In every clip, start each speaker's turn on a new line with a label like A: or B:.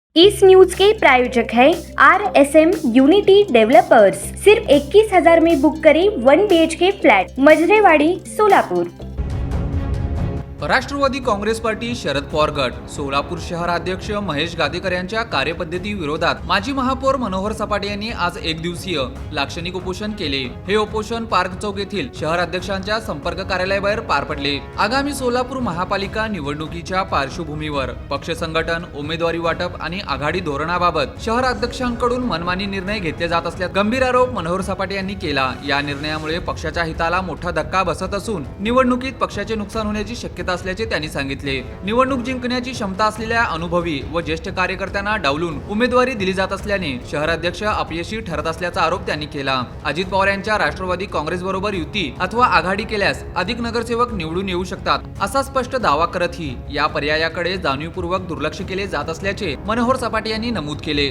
A: इस news के प्रायोजक है RSM unity developers. सिर्फ 21,000 में बुक करें 1 BHK flat, Majrewadi, Solapur.
B: Rashtravadi Congress party Sharad Pawar गट सोलापूर शहराध्यक्ष महेश गादेकर यांच्या कार्यपद्धती विरोधात माजी महापौर मनोहर सपाटे यांनी आज एक दिवसीय लाक्षणिक उपोषण केले। हे उपोषण पार्क चौक येथील शहराध्यक्षांच्या संपर्क कार्यालयाबाहेर पार पडले। आगामी सोलापूर महापालिका निवडणुकीच्या पार्श्वभूमीवर पक्ष संघटन, उमेदवारी वाटप आणि आघाडी धोरणाबाबत शहराध्यक्षांकडून मनमानी निर्णय घेतले जात असल्याचा गंभीर आरोप मनोहर सपाटे यांनी केला। या निर्णयामुळे पक्षाच्या हिताला मोठा धक्का बसत असून निवडणुकीत पक्षाचे नुकसान होण्याची शक्यता असल्याचे त्यांनी सांगितले। निवडणूक जिंकण्याची क्षमता असलेल्या अनुभवी व ज्येष्ठ कार्यकर्त्यांना डावलून उमेदवारी दिली जात असल्याने शहराध्यक्ष अपयशी ठरत असल्याचा आरोप त्यांनी केला। अजित पवार यांच्या राष्ट्रवादी काँग्रेस बरोबर युती अथवा आघाडी केल्यास अधिक नगरसेवक निवडून येऊ शकतात असा स्पष्ट दावा करतही या पर्यायाकडे जाणीवपूर्वक दुर्लक्ष केले जात असल्याचे मनोहर सपाटे यांनी नमूद केले।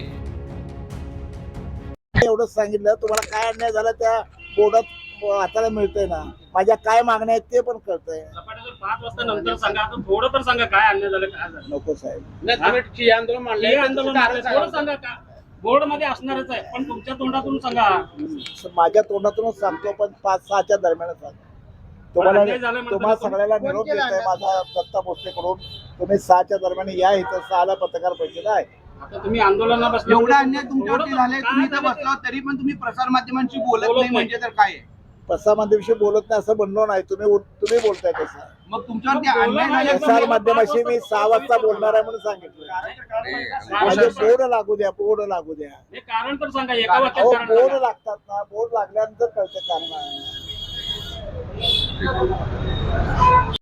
C: एवढंच सांगितलं, तुम्हाला काय अन्याय झाला त्या बोर्डात हाताला मिळतंय ना, माझ्या काय मागण्या आहेत ते पण कळतंय।
D: 5 वाजता नंतर सांगा, आता थोडं तर सांगा काय अन्याय झालं, काय झालं।
C: नको साहेब,
D: नाही आंदोलन थोडं सांगा का बोर्ड मध्ये असणारच आहे, पण तुमच्या तोंडातून सांगा।
C: माझ्या तोंडातूनच सांगतो, पण 5-6च्या दरम्यान सांगा। तुम्हाला सगळ्याला निरोप देत आहे माझा दत्ता भोसलेकडून, तुम्ही 6च्या दरम्यान या, इथं 6ला पत्रकार परिषद आहे।
D: आता तुम्ही आंदोलनाला बसले,
E: एवढा अन्याय तुमच्यावरती झालाय, तुम्ही तर बसला तरी पण तुम्ही प्रसार माध्यमांशी बोलत नाही, म्हणजे तर काय आहे?
C: प्रसार माध्यमाशी बोलत नाही असं म्हणलो नाही, तुम्ही बोलताय तसं।
E: मग तुमच्यावरती अन्याय झाला,
C: प्रसार माध्यमाशी मी 6 वाजता बोलणार आहे म्हणून सांगितलं। म्हणजे बोर्ड लागू द्या, बोर्ड लागू द्या,
D: हे कारण तर सांगा, एका वाक्यात कारण
C: बोर्ड
D: सांगा।
C: लागतात ना, बोर्ड लागल्यानंतर कळतं कारण आहे।